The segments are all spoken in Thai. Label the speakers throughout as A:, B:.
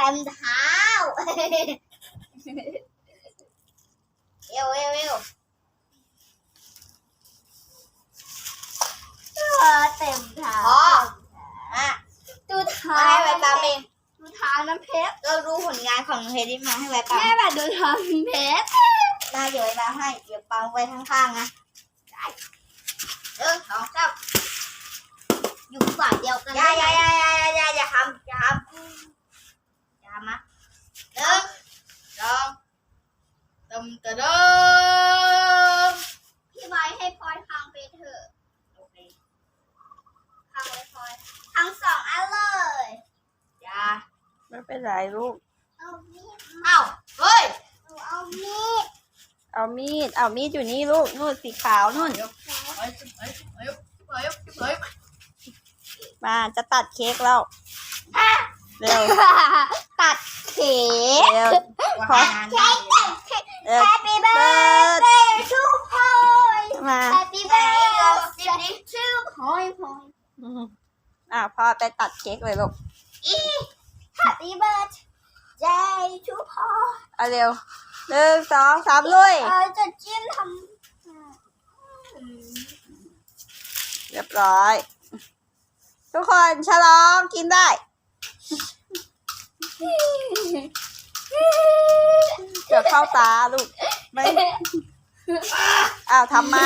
A: ต็มเท้าเอวเต็มเท้าอ่ะดูเท้าให้ไว้ตามเองดูเท้าน้ำเพชรเราดูผลงานของน้ำเพชรที่มาให้ไว้ตามแม่แบบดูเท้าน้ำเพชรมาเดี๋ยวไว้ตามให้เดี๋ยวปังไว้ข้างๆนะได้1 2 3อยู่ฝ่ายเดียวกันอย่าทำนะ1 2
B: ตะดม
A: พี่ไว้ให้พลอยพังไปเถอะโอเคพังเลยพลอยพัง2 อันเลยอย่า
B: ไม่เป็นไรลูก
A: เอามีด
B: เฮ้ย
A: หนูเอามีด
B: เอามีดอยู่นี่ลูกนู่นสีขาวนู่นมาจะตัดเค้กแล้วเร็ว
A: ตัดเค้ก
B: เร็วขอ
A: เค้ก
B: เร็ว
A: Happy birthday to พลอย
B: มา
A: Happy birthday to พลอย
B: พ่อไปตัดเค้กเลยลูก
A: Happy birthday to พลอย
B: เอาเร็ว1 2 3ลุย
A: จะจิ้มทำ
B: เรียบร้อย ทุกคนฉลองกินได้เดี๋ยวเข้าตาลูกไม่ทำไม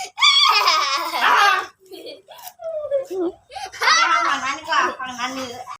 A: ฝั่งนั้นดีกว่าฝั่งนั้นเนื้อ